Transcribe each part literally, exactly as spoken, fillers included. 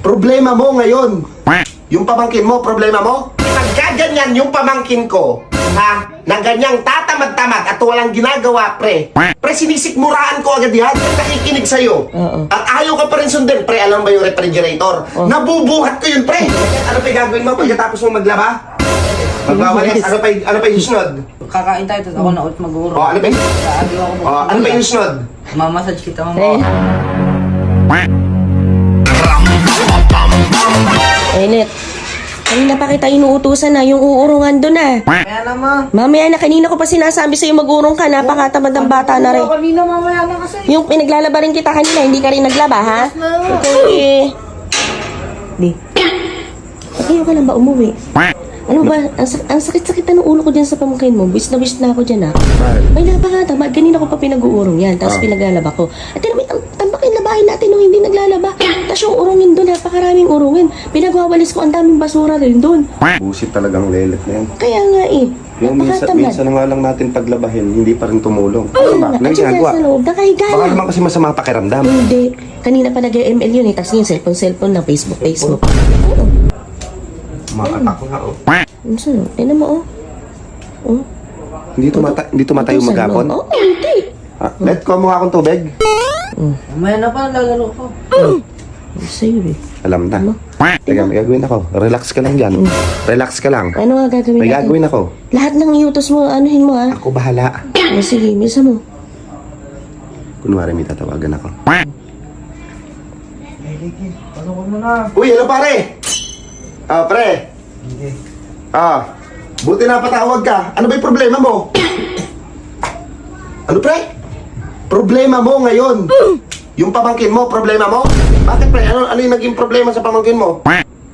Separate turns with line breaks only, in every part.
Problema mo ngayon. Yung pamangkin mo, problema mo? Pagkaganyan yung pamangkin ko, ha, na ganyang tatamad-tamad at walang ginagawa, pre. Pre, sinisikmuraan ko agad yan. Nakikinig sa'yo.
Oo.
At ayaw ka pa rin sundin. Pre, alam ba yung refrigerator?
Oh.
Nabubuhat ko yun, pre. Ano pa yung gagawin mo pagkatapos mo maglaba? Magwawalis. Ano pa yung, ano pa yung sunod?
Kakain tayo, tapos ako na ulit mag-uuro.
O, ano pa yung,
Sabi ako po.
o, ano pa yung sunod?
Mamassage kita, mama.
Eh. Eh, Net. Kanina pa kita inuutusan na yung uurungan doon ah.
Kaya naman.
Mamaya na, kanina ko pa sinasabi sa'yo mag-urong ka, napakatamad ng bata na rin.
Kanina mamaya na kasi.
Yung pinaglalaba rin kita kanina, hindi ka rin naglaba, ha? Okay. Di. Ayaw ka lang ba umuwi? Ano ba, ang, sak- ang sakit-sakit na ng ulo ko dyan sa pamangkin mo. Wish na wish na ako dyan, ha? May napakatamad. Kanina ko pa pinag-uurong yan, tapos
Ah.
pinaglalaba ko. At tinamit, ang tambakin labahin natin nung hindi naglalaba. Tapos yung urungin doon, napakaraming urungin. Pinagwawalis ko, ang daming basura rin doon.
Busit talagang lelet na yan.
Kaya nga eh,
Yung minsan,
napakatamad.
minsan na nga lang natin paglabahin, hindi pa rin tumulong.
Oo
Ano ba?
nga,
Nang
at saka
ginagawa?
sa loob, nakahiga
Baka
lang.
naman kasi masama pakiramdam.
Hindi. Kanina pa nag-M L yun eh. Tapos yung cellphone, cellphone na Facebook, Facebook. Oo.
Makatak nga, oh.
Ano sa'yo? Tignan mo, oh. Oh.
Hindi tumata hindi tumatayo
Utusan
maghapon?
mo. Oo, hindi.
Ah, let ko mukha akong tubig.
Mamaya na pa, lalaro ko.
Ano sa'yo eh?
Alam na.
Ano?
Teka, may gagawin ako. Relax ka lang dyan. Relax ka lang.
Ano nga gagawin
May
natin?
gagawin ako.
Lahat ng iutos mo, anuhin mo, ha?
Ako bahala.
O, sige, misa mo.
Kunwari may tatawagan ako.
Ano ko muna?
Uy, hello pare! Ah, pre.
Hindi.
Ah, buti na patawag ka. Ano ba yung problema mo? Ano pre? Problema mo ngayon. Yung pamangkin mo, problema mo? Bakit pre? Ano, ano yung naging problema sa pamangkin mo?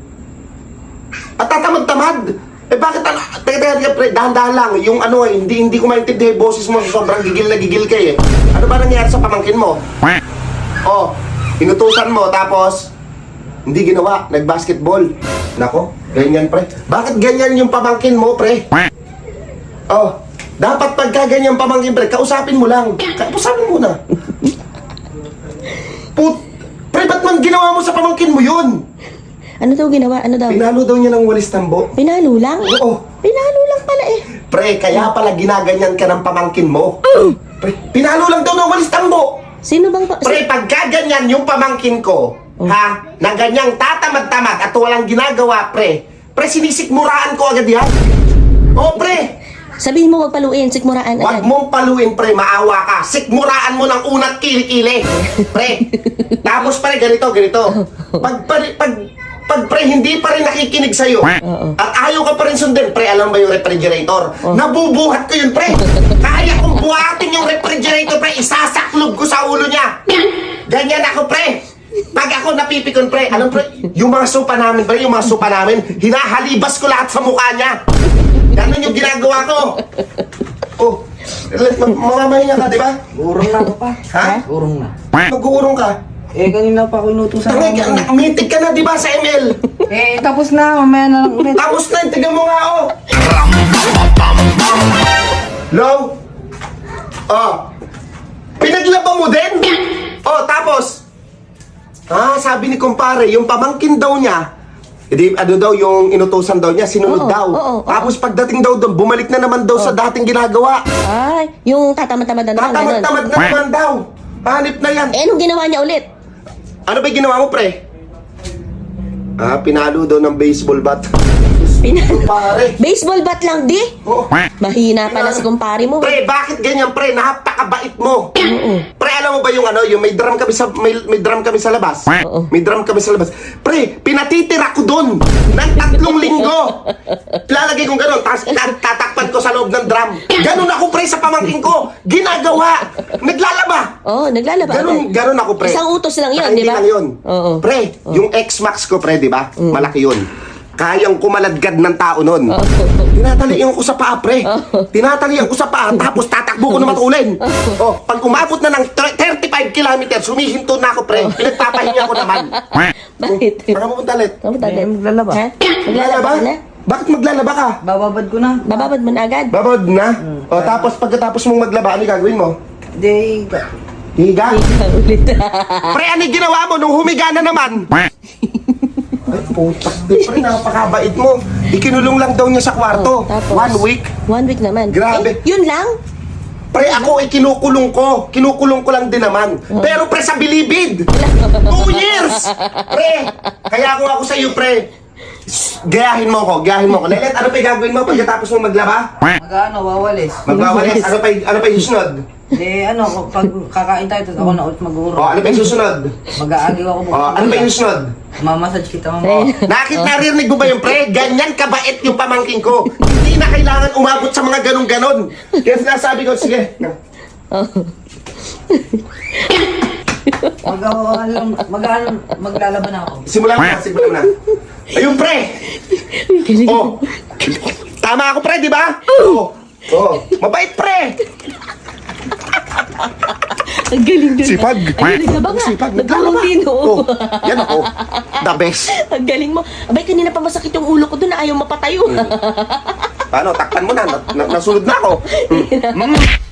At tatamad-tamad. Eh bakit ano? Teka, teka, teka pre, dahan-dahan lang. Yung ano eh, hindi, hindi ko maintindihan yung boses mo. Sobrang gigil na gigil ka eh. Ano ba nangyari sa pamangkin mo? Oh, inutusan mo tapos hindi ginawa, nag-basketball. Nako, ganyan pre. Bakit ganyan yung pamangkin mo, pre? Oh, dapat pagka ganyan pamangkin, pre, kausapin mo lang. Kausapin mo na. Put, pre, ba't man ginawa mo sa pamangkin mo yun?
Ano daw ginawa? Ano daw?
Pinalo daw niya ng walis tambo.
Pinalo lang?
Oo.
Pinalo lang pala eh.
Pre, kaya pala ginaganyan ka ng pamangkin mo. Pre, pinalo lang daw ng walis tambo.
Sino bang... Pa-
Pre, pagka ganyan yung pamangkin ko, ha, na ganyang tatamad-tamad at walang ginagawa, pre, pre, sinisikmuraan ko agad yan. Oh, pre,
Sabihin mo, wag paluin, sikmuraan
wag
agad.
mong paluin, pre, maawa ka. Sikmuraan mo ng unat kili-kili. Pre, tapos pre, ganito, ganito. Pag, pag, pag, pag pre, hindi pa rin nakikinig sa'yo,
Oo.
at ayaw ka pa rin sundin, pre, alam ba yung refrigerator? Nabubuhat ko yun, pre. Kaya kong buhatin yung refrigerator, pre, isasaklob ko sa ulo niya. Ganyan ako, pre. Pag ako napipikon, pre, alam pre, yung mga sopa namin, pre, yung mga sopa namin, hinahalibas ko lahat sa mukha niya. Ganun yung ginagawa ko. Oh, ma- mamamahinga ka, di ba?
Urong na ako pa.
Ha?
Urong na.
Mag-uurong ka.
Eh, kanina pa ako inutusan.
Tangay, ka- mitig ka na, di ba, sa M L?
Eh, tapos na. Mamaya na lang ulit.
Tapos na, tignan mo nga, oh. Low. Oh. Pinaglaba mo din? Oh, tapos? Ah, sabi ni kumpare, yung pamangkin daw niya, edi, ano daw, yung inutusan daw niya, sinunod
Oo,
daw.
oo, oo.
Tapos pagdating daw doon, bumalik na naman daw sa dating ginagawa.
Ay, yung tatamad-tamad na naman, ganun.
Tatamad-tamad na naman daw. Hanip na yan.
Eh, anong ginawa niya ulit?
Ano ba yung ginawa mo, pre? Ah, pinalo daw ng baseball bat.
Pina-
Kumpare.
Baseball bat lang, di?
Oh.
Mahina pala si kumpare mo.
Pre, bakit ganyan, pre? Napakabait mo.
Oo.
Pre, alam mo ba yung ano, yung may drum kami sa may, may drum kami sa labas?
Oo.
May drum kami sa labas. Pre, pinatitira ko doon ng tatlong linggo. Lalagay kong gano'n, tapos tat- tatakpan ko sa loob ng drum. Ganon ako, pre, sa pamangkin ko. Ginagawa. Naglalaba.
Oo, oh, naglalaba.
Ganon,
agad.
ganon ako, pre.
Isang utos lang yun,
Saka
di
hindi
ba?
lang yun.
Oo.
Pre, yung X-Max ko, pre, di ba? Malaki yun. Kayang kumaladkad ng tao nun. Tinatalian ko sa paa, pre. Tinatalian ko sa paa, tapos tatakbo ko na matulin. Oh, pag umabot na ng thirty-five kilometers, humihinto na ako, pre. Pinagpapahinga ko naman.
Bakit?
Saan ka pupunta ulit?
Kamu tayo.
Eh, maglalaba.
Ha? Maglalaba ka na?
Bakit maglalaba ka?
Bababad ko na.
Bababad mo na agad?
Babad na? O, tapos pagkatapos mong maglaba, ano yung gagawin mo?
Hindi.
Higa?
Ikaw ulit.
Pre, ano yung ginawa mo nung humiga na naman? Putak, di pre, napakabait mo. Ikinulong lang daw niya sa kwarto.
Oh, tapos?
One week.
One week naman.
Grabe.
Eh, yun lang?
Pre, ako ay kinukulong ko. Kinukulong ko lang din naman. Pero pre, sa bilibid. Two years. Pre, kaya ako ako sa iyo, pre. Gayahin mo ko, gayahin mo ko. Lelet, ano pa yung gagawin mo pagkatapos mo maglaba?
Mag-ano, wawalis.
Magwawalis. Ano pa yung, ano pa yung susunod?
Eh, ano, pag kakain tayo, tapos ako na ulit mag-uro.
O, ano pa yung susunod?
Mag-aagiw ako.
O, ano pa yung susunod?
Mamassage kita,
O,
mama.
nakit narinig mo ba yung pre? Ganyan kabait yung pamangking ko. Hindi na kailangan umabot sa mga ganun-ganon. Kaya sinasabi ko, sige.
Mag-ano, mag-ano, maglalaban ako.
Simulan mo na, simulan mo na. Ayun, pre! Oh, tama ako, pre, di ba? Oo. Oh, mabait, pre!
Ang galing dun.
Sipag.
Ay, naglaba nga.
Sipag.
Naglaba din,
Oh,
oo.
yan ako. The best.
Ang galing mo. Abay, kanina pa masakit yung ulo ko dun na ayaw mapatayo.
Paano, takpan mo na. na, na nasunod na ako. Mm. Mm.